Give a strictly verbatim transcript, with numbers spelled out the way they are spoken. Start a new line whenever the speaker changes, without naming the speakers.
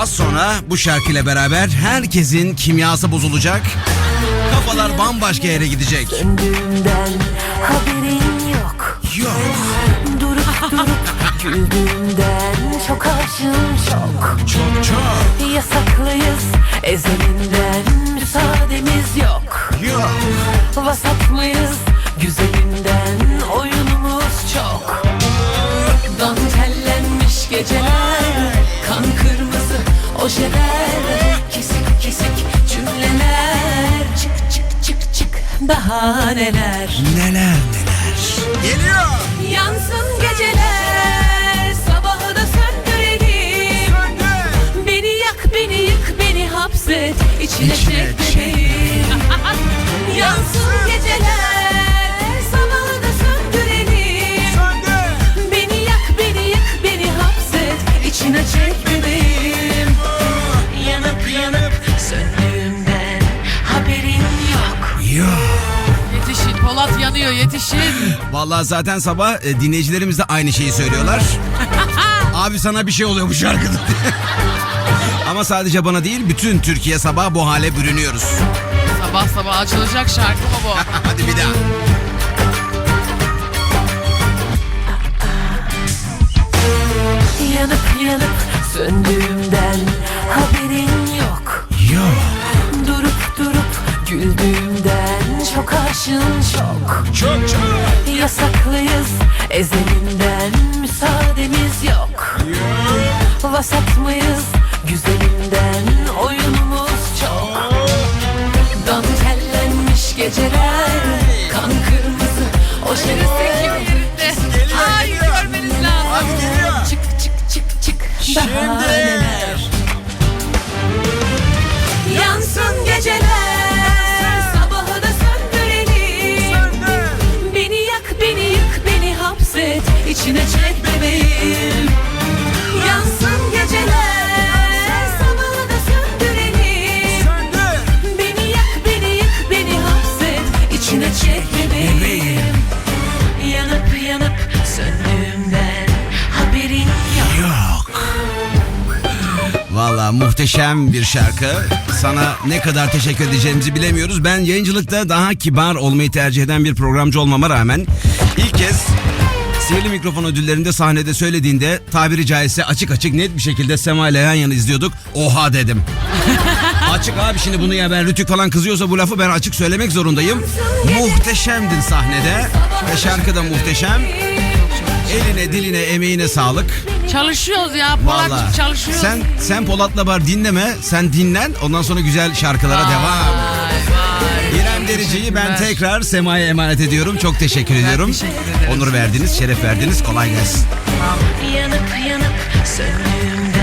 Az sonra bu şarkıyla beraber herkesin kimyası bozulacak. Kafalar bambaşka yere gidecek.
Söndüğümden haberin yok.
Yok.
Durup durup güldüğümden çok aşığım çok.
Çok çok.
Yasaklıyız ezelinden müsaademiz yok.
Yok.
Vasat mıyız güzelinden oyunumuz çok. Dantellenmiş geceler, kan kırmızı ojeler, kesik kesik cümleler, çık çık çık çık daha neler.
Neler neler. Geliyor.
Yansın geceler, sabahı da söndürelim.
Söndür.
Beni yak, beni yık, beni hapset, içine
İçine
çek
çek.
bebeğim. Yansın geceler, sabahı da söndürelim.
Söndür.
Beni yak, beni yık, beni hapset, içine çek bebeğim. Yanıp yanıp söndüğümden haberin yok.
Yok.
Yetişin, Polat yanıyor, yetişin.
Vallahi zaten sabah e, dinleyicilerimiz de aynı şeyi söylüyorlar. Abi sana bir şey oluyor bu şarkıda. Ama sadece bana değil, bütün Türkiye sabah bu hale bürünüyoruz.
Sabah sabah açılacak şarkı mı bu?
Hadi bir daha.
Yanıp yanıp söndüğümden haberin yok.
Yok.
Durup durup güldüğümden çok aşığım çok.
Çok çok.
Yasaklıyız ezelinden müsaademiz yok. Vasat mıyız güzelinden oyunumuz çok. Dantellenmiş geceler, kan kırmızı
Yerinde,
ojeler.
yerinde. Ay görmeniz lazım.
Hadi geliyor.
Çık çık çık çık daha
Şimdi.
neler. Yansın geceler, sabahı da söndürelim.
Söndür.
Beni yak, beni yık, beni hapset, içine çek bebeğim. Yansın geceler, sabahı da söndürelim.
Söndür.
Beni yak, beni yık, beni hapset, içine çek bebeğim.
Bebeğim.
Yanıp yanıp söndüğümden haberin yok.
Yok. Vallahi muhteşem bir şarkı. Sana ne kadar teşekkür edeceğimizi bilemiyoruz. Ben yayıncılıkta daha kibar olmayı tercih eden bir programcı olmama rağmen ilk kez Sihirli Mikrofon ödüllerinde sahnede söylediğinde tabiri caizse açık açık net bir şekilde Sema ile yan yana izliyorduk. Oha dedim. Açık abi, şimdi bunu ya ben Rütük falan kızıyorsa bu lafı ben açık söylemek zorundayım. Muhteşemdin sahnede ve şarkı da muhteşem. Eline, diline, emeğine sağlık.
Çalışıyoruz ya,
Vallahi.
Polat'cığım çalışıyoruz.
Sen sen Polat'la bar dinleme, sen dinlen. Ondan sonra güzel şarkılara devam.
Vay vay.
İrem Derici'yi ben
Teşekkürler.
tekrar Sema'ya emanet ediyorum. Çok teşekkür ediyorum.
teşekkür ederim.
Onur verdiniz, şeref verdiniz. Kolay gelsin.
Yanıp yanıp söndüğümden